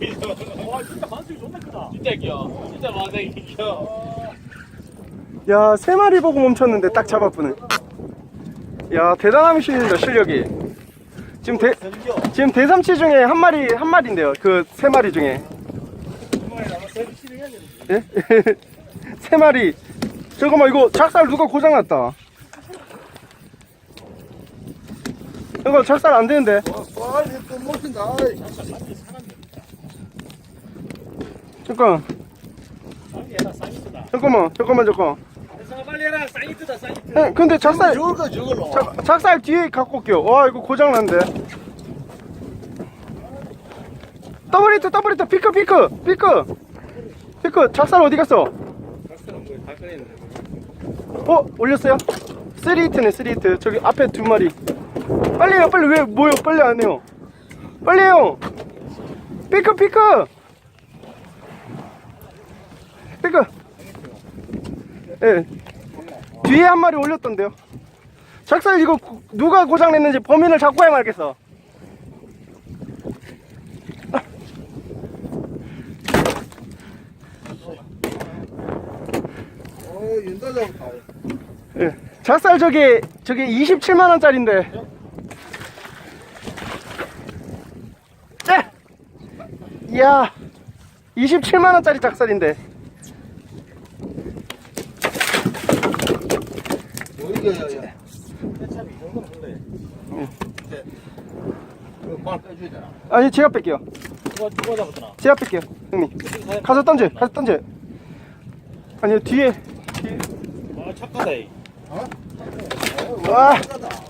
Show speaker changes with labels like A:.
A: 와 진짜 만수이 존나 크다. 진짜 귀여워. 진짜 만수이 귀여워.
B: 야, 3마리 보고 멈췄는데 딱 잡아보네. 야, 대단하십니다, 실력이. 지금 대삼치 중에 한 마리인데요. 그 3마리 중에. 예? 3마리. 잠깐만, 이거 작살 누가 고장났다. 이거 작살 안 되는데. 잠깐만.
A: 빨리 해라. 사이트다 사이트.
B: 근데 작살
C: 저걸로.
B: 작살 뒤에 갖고 올게요. 와, 이거 고장났는데. 더블히트 피크 작살 어디 갔어? 올렸어요? 3히트네 3히트. 저기 앞에 2마리. 빨리 해요. 빨리. 왜 뭐요? 빨리 안 해요. 빨리 해요. 피크 예. 뒤에 한 마리 올렸던데요. 작살 이거 누가 고장냈는지 범인을 잡고 해야 말겠어.
C: 윤다 잡았다.
B: 예. 작살 저게 27만원짜리인데. 이야, 27만원짜리 작살인데.
C: 뭐 이거야?
A: 참 이 정도는 원래.
C: 말 빼줘야 되나?
B: 아니, 제가 뺄게요.
A: 누가 잡았더나?
B: 제가 뺄게요, 형님. 가서 던져. 아니요, 뒤에.
A: 아 착하다.
B: 와,